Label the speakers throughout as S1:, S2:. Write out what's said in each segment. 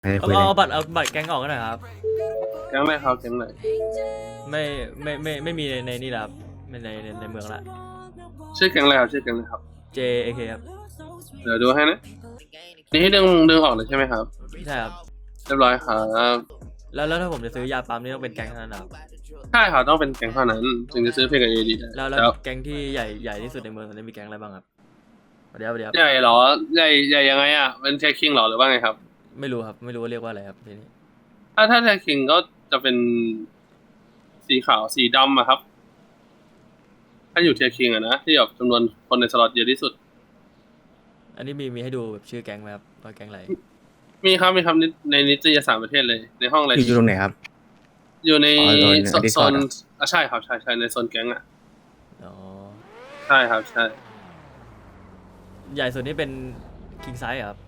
S1: เอา
S2: คุยเลย
S1: เอาบัตรแก๊งออกกันหน่อยครับ
S3: แก๊งอะไรครับแก๊งไหน
S1: ไม่มีในนี่แล้วครับไม่ในเมืองละ
S3: ชื่อแก๊งอะไรครับชื่อแก๊งอะไรครับ
S1: JAK ครับ
S3: เดี๋ยวดูให้นะนี่ให้ดึงออกเลยใช่ไหมครับ
S1: ใช่ครับ
S3: เรียบร้อยครับ
S1: แล้วถ้าผมจะซื้อยาปั๊มนี่ต้องเป็นแก๊งเท่านั้นเหรอครับ
S3: ใช่ครับต้องเป็นแก๊งเท่านั้นถึงจะซื้อเพลงกับเอดีได้
S1: แล้ว
S3: แล้ว
S1: แก๊งที่ใหญ่ที่สุดในเมืองตอนนี้มีแก๊งอะไรบ้างครับเดี๋ยว
S3: ใหญ่เหรอใหญ่ยังไงอ่ะเป็นเทคคิงเหรอหรือว่าไงครับ
S1: ไม่รู้ครับไม่รู้ว่าเรียกว่าอะไรครับทีนี้
S3: ถ้าเทคคิงก็จะเป็นสีขาวสีดำอะครับถ้าอยู่เทคคิงอะนะที่แบบจำนวนคนในสล็อตเยอะที่สุด
S1: อันนี้มีให้ดูแบบชื่อแก๊งไหมครับว่าแก๊งอะไร
S3: มีครับในนิตยสารประเทศเลยในห้องอะไร
S2: อยู่ตรงไหนครับ
S3: อยู่ใน
S2: อ๋อใน
S3: โซ
S2: Discord
S3: น
S2: อะ
S3: ใช่ครับใช่ในโซนแก๊งอ่ะ
S1: อ๋อ
S3: ใช่ครับใช่
S1: ใหญ่สุดนี่เป็น King Size ครับ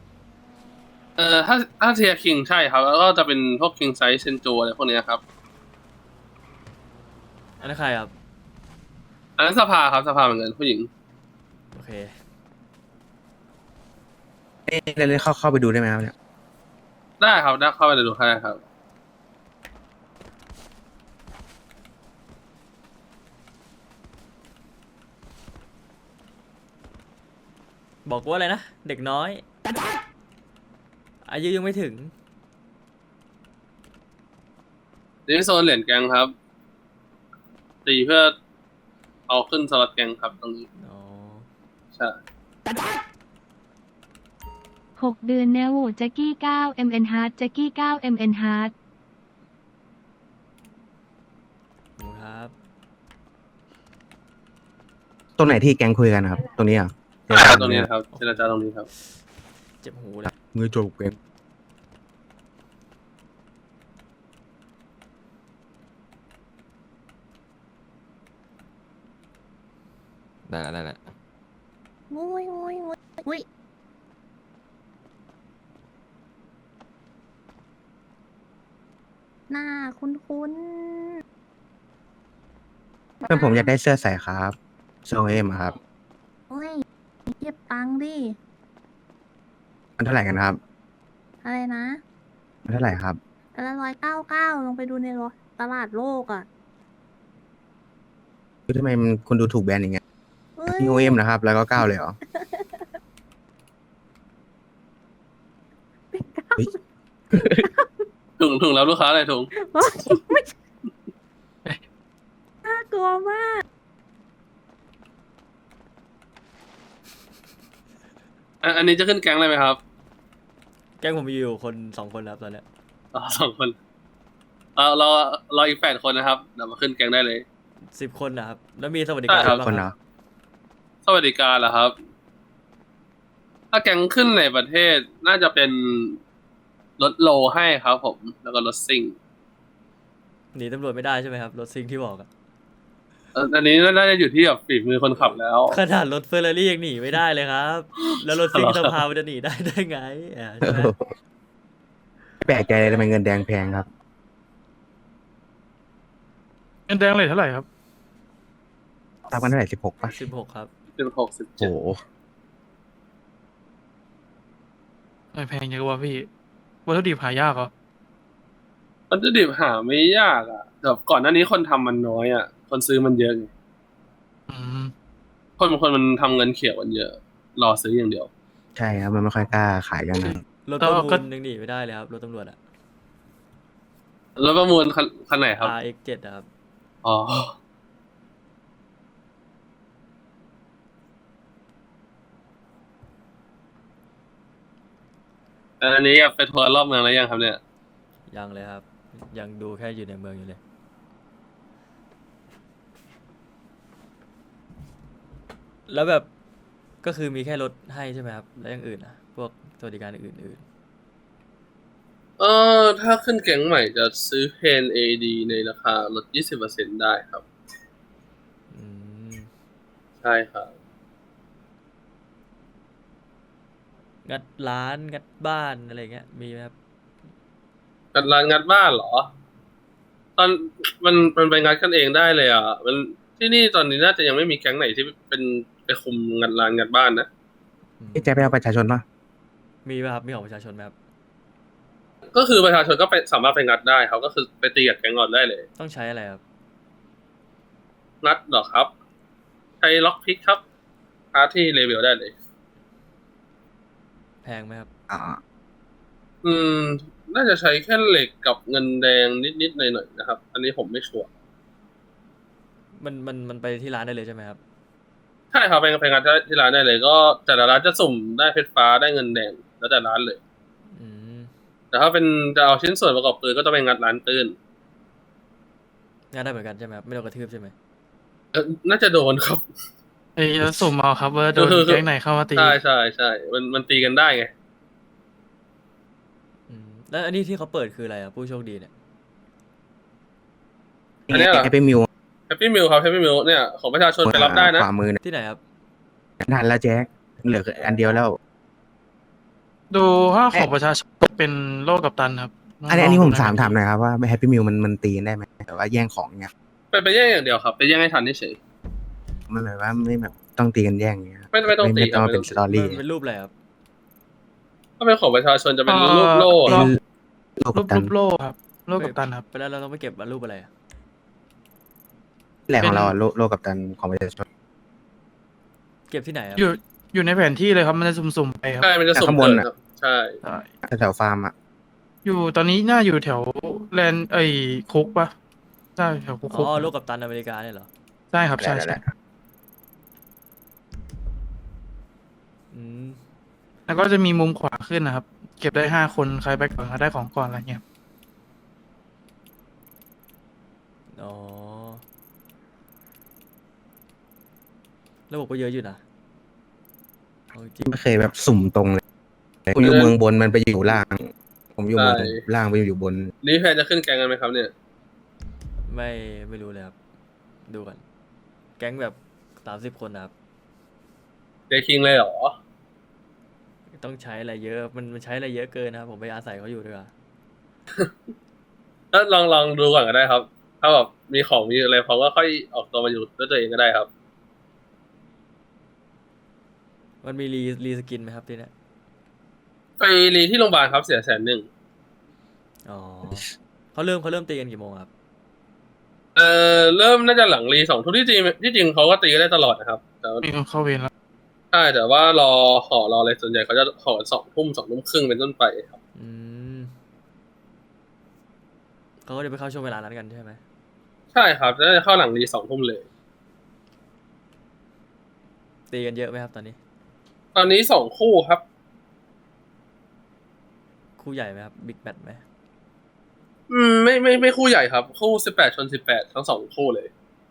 S3: ถ้าเทียคิงใช่ครับแล้วก็จะเป็นพวกคิงไซส์เซนโจอะไรพวกเนี้ยครับ
S1: อันนั้นใครครับ
S3: อันนั้นสภาครับสภาเหมือนกันผู้หญิง
S1: โอเค
S2: เล่นเข้าไปดูได้ไหมครับเนี่ย
S3: ได้ครับได้เข้าไปดูได้ครับ
S1: บอกว่าอะไรนะเด็กน้อยอายุยังไม่ถึง
S3: นี่โซนเหรียญแกงครับตีเพื่อเอาขึ้นสล็อตแกงครับตรงนี้
S1: อ๋อ
S3: ใช่
S4: 6 เดือนแนวโหวตแจ็กกี้9 MN Hard แจ็กกี้9 MN Hard
S1: ขอบคุณครับ
S2: ตรงไหนที่แก๊งคุยกันครับ ตรงนี้อ่ะ
S3: ใช่ครับตรงนี้ครับเจรจาตรงนี้ครับ
S1: เจ็บหูเลย
S2: มือโจกแก๊ง
S5: ได้ละ
S6: มุ้ยอุ้ยหน้าคุ้น
S2: เพื่อนผมอยากได้เสื้อใส่ครับโซเอมครับ
S6: โอ้ยเก็บตังค์ดิ
S2: มันเท่าไหร่กันครับ
S6: อะไรนะ
S2: มันเท่าไหร่ครับ
S6: แต่ละ199ลงไปดูในตลาดโลกอ่ะ
S2: คือทำไมคุณดูถูกแบรนด์อย่างเงี้ย
S6: เอ้ย
S2: นี่โอเอ็มนะครับ แล้วก็9เลยเหรอเฮ้ย
S3: ถุงแล้วลูกค้าอะไรถุง
S6: ไม่ใช่น่ากลัวมาก
S3: อันนี้จะขึ้นแก๊งเลยไหมครับ
S1: แก๊งผมมีอยู่คน2 คนครับตอนเนี้ย
S3: อ๋อ2 คนเราอีก8 คนนะครับเดี๋ยวมาขึ้นแก๊งได้เลย
S1: 10 คนนะครับแล้วมีสวัสดิการ
S3: ใช่ครับ
S1: บ้าง
S2: คน
S1: ค
S2: เหร
S1: รั
S2: อบ
S3: สวัสดิการเหรอครับ ถ้าแก๊งขึ้นในประเทศน่าจะเป็นรถโลให้ครับผม แล้วก็รถซิ่ง
S1: หนีตำรวจไม่ได้ใช่ไหมครับรถซิงที่บอกอะ
S3: อันนี้น่าจะอยู่ที่แบบฝีมือคนขับแล้ว
S1: ขนาดรถเฟอร์รารี่ยังหนีไม่ได้เลยครับ แล้วรถซิง
S3: เหรอ
S1: สภามันจะหนีได้ไงใช่ไหม
S2: แปลกใจเลยทำไมเงินแดงแพงครับ
S7: เงินแดงเลยเท่าไหร่ครับ
S2: ตามกันเท่าไหร่16ป่ะ
S1: 16 ครับ
S3: 16
S2: โอ้โห
S7: ไม่แพงยังกว่าพี่วัตถุดิบหายากเหรอ
S3: 17วัตถุดิบหาไม่ยากอ่ะแบบก่อนหน้านี้คนทำมันน้อยอ่ะ คนซื้อมันเยอะไง
S7: อืม
S3: คนบางคนมันทำเงินเขียวกันเยอะ รอซื้ออย่างเดียว
S2: ใช่ครับมันไม่ค่อยกล้าขายกันนะ
S1: รถประมูลยังหนีไม่ได้เลยครับรถตำรวจอะ
S3: แล้วประมูลคันไหนครับ
S1: RX7 อะครับ
S3: อ๋ออันนี้ไปทัวร์รอบเมืองแล้วยังครับเนี่ย
S1: ยังเลยครับ ยังดูแค่อยู่ในเมืองอยู่เลย แล้วแบบก็คือมีแค่รถให้ใช่ไหมครับ แล้วอย่างอื่นอะพวกสวัสดิการอื่น
S3: ถ้าขึ้นแก๊งใหม่จะซื้อเพน AD ในราคาลด 20% ได้ครับ
S1: ๆ
S3: ใช่ครับ
S1: งัดร้านงัดบ้านอะไรเงี้ยมีไหมครับ
S3: งัดร้านงัดบ้านเหรอ ตอนมันไปงัดกันเองได้เลยอ่ะ มันที่นี่ตอนนี้น่าจะยังไม่มีแก๊งไหนที่เป็นไปคุมงัดร้านงัดบ้านนะ
S2: พี่แจ๊คไปเอาประชาชนป่ะ
S1: มีไหมครับมีของประชาชนไหมครับ
S3: ก็คือประชาชนก็ไปสามารถไปงัดได้ครับก็คือไปตีกับแก๊งงอนได้เลย
S1: ต้องใช้อะไรครับ
S3: งัดเหรอครับใช้ล็อกพิกครับหาที่เลเวลได้เลย
S1: แพงไหมครับ
S2: อ่า
S3: อืม น่าจะใช้แค่เหล็กกับเงินแดงนิดๆหน่อยๆนะครับ อันนี้ผมไม่ชัวร์
S1: มันไปที่ร้านได้เลยใช่ไหมครับ
S3: ใช่ครับไปงัดที่ร้านได้เลย ก็แต่ละร้านจะสุ่มได้เพชรฟ้าได้เงินแดงแล้วแต่ร้านเลย
S1: อืม
S3: แต่ถ้าเป็นจะเอาชิ้นส่วนประกอบปืนก็ต้องไปงัดร้านปืน
S1: งานได้เหมือนกันใช่ไหมครับ ไม่โดนกระทืบใช่ไหม
S3: น่าจะโดนครับ
S7: ไอ้จะสุ่มเอาครับว่าโดน
S3: คือ
S7: แก๊งไหนเข้ามาตี
S3: ใช่มันตีกันได้ไง
S1: อืม แล้วอันนี้ที่เขาเปิดคืออะไรอ่ะ ผู้โชคดีเนี่ย
S3: อันเนี้ยเหรอ
S2: แฮปปี้มิว
S3: แฮปปี้มิลครับแฮปปี้มิลเนี่ยของประชาชนไปรับได้นะ
S2: ขวามือเนี่ย
S1: ที่ไหนครับ
S2: ทันแล้วแจ็คเหลืออันเดียวแล้ว
S7: ดูถ้าของประชาชนเป็นโลกกัปตันครับ
S2: อันนี้ผม
S7: ลงดู
S2: ถามหน่อยครับว่าแฮปปี้มิวมันตีกันได้ไหมแต่ว่าแย่งของเนี่ย
S3: ไปแย่งอย่างเดียวครับ ไปแย่งให้ทันเฉย
S2: มันแบบว่าไม่แบบต้องตีกันแย่งอย่างเงี้ย
S3: ไม่ต้องตี
S2: ไม่ต้อง
S3: ครับ
S2: เป็นสตอรี่
S1: มันเป็นรูปอะไรครับ
S3: ถ้าเป็นของประชาชนจะเป็นรูปโล่
S2: เป็น
S3: ครับ
S2: โลก
S7: รู
S2: กั
S7: ป
S2: ปตัน
S7: โลกครับโลกกัปตันครับ
S1: ไปแล้วเราต้องไปเก็บรูปอะไรอะ
S2: แหล่งของเราอะโลกกัปตันของประชาชน
S1: เก็บที่ไหนครับ
S7: อยู่ในแผนที่เลยครับมันจะสุ่มๆไปครับ
S3: ใช่มันจะสุ่ม
S2: ข้างบน
S3: เกิด
S2: น่ะ
S3: ครับ ใช่
S7: ใช่
S2: แถวฟาร์มอ่ะ
S7: อยู่ตอนนี้น่าอยู่แถวแลนด์คุกปะใช่แถวคุก
S1: อ๋อโลกกัปตันอเมริกาเนี่ยเหรอ
S7: ใช่ครับใช่
S2: แห
S7: ใช่
S2: ละ
S1: อืม
S7: แล้วก็จะมีมุมขวาขึ้นนะครับ เก็บได้5 คนใครไปก่อนก็ได้ของก่อนอะไรเงี้ย
S1: อ๋อ ระบบก็เยอะอยู่นะเอาจริง
S2: ไม่เคยแบบสุ่มตรงเลยผมอยู่เมืองบนมันไปอยู่ล่าง ผมอยู่เมืองล่างไปอยู่บน
S3: นี่แพนจะขึ้นแกงกันไหมครับเนี่ย
S1: ไม่รู้เลยครับ ดูก่อน แก๊งแบบ30 คนนะครับ
S3: เดคิงเลยเหรอ
S1: ต้องใช้อะไรเยอะ มันใช้อะไรเยอะเกินนะครับ ผมไปอาศัยเขาอยู่ด้วย
S3: แล้วลองดูก่อนก็ได้ครับ ถ้าแบบมีของมีอะไรพอก็ค่อยออกตัวมาอยู่ด้วยตัวเองก็ได้ครับ
S1: มันมีรีสกินไหมครับที่เนี้ย
S3: ไปรีที่โรงพยาบาลครับเสีย100,000
S1: อ๋อเขาเริ่มตีกันกี่โมงครับ
S3: เริ่มน่าจะหลังรี2 ทุ่มที่จริงเขาก็ตีกันได้ตลอดนะครับ แต่ว่า
S7: มีคนเข้าเวรแล้ว
S3: ใช่แต่ว่ารออะไรส่วนใหญ่เขาจะขอ2 ทุ่มครึ่งเป็นต้นไปครับ
S1: อืมเขาก็จะไปเข้าช่วงเวลานั้นกันใช่ไหม
S3: ใช่ครับน่าจะเข้าหลังรี2 ทุ่มเลย
S1: ตีกันเยอะไหมครับตอนนี้
S3: ตอนนี้2 คู่ครับ
S1: คู่ใหญ่ไหมครับบิ๊กแมตไหม
S3: ไม่คู่ใหญ่ครับ คู่18 ชน 18ทั้ง2 คู่เลย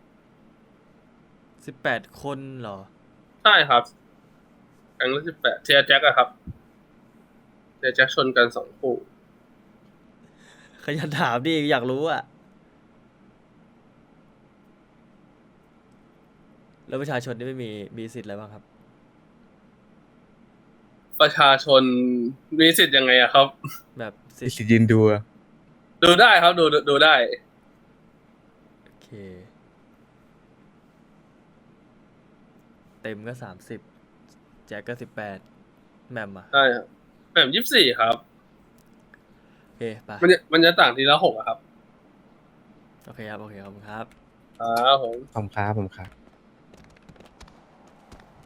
S1: 18 คนเหรอ
S3: ใช่ครับครั้งละ18เทียร์แจ็คอะครับเทียร์แจ็คชนกัน2 คู่
S1: ขยันถามดิอยากรู้อะแล้วประชาชนนี่ไม่มีสิทธิ์อะไรบ้างครับ
S3: ประชาชนมีสิทธิ์ยังไงอะครับ
S1: แบบสิทธิ์
S2: สิยินดูอะ
S3: ดูได้ครับดูได้
S1: โอเค เต็มก็30แจ็คก็18แหมมอ่ะ
S3: ใช่ครับแบบ24ครับ
S1: โอเคไป
S3: มันจะต่างทีละ6อะครับ
S1: โอเคครับ โอเคขอบคุณครับ
S3: ครับผม
S2: ผมครับ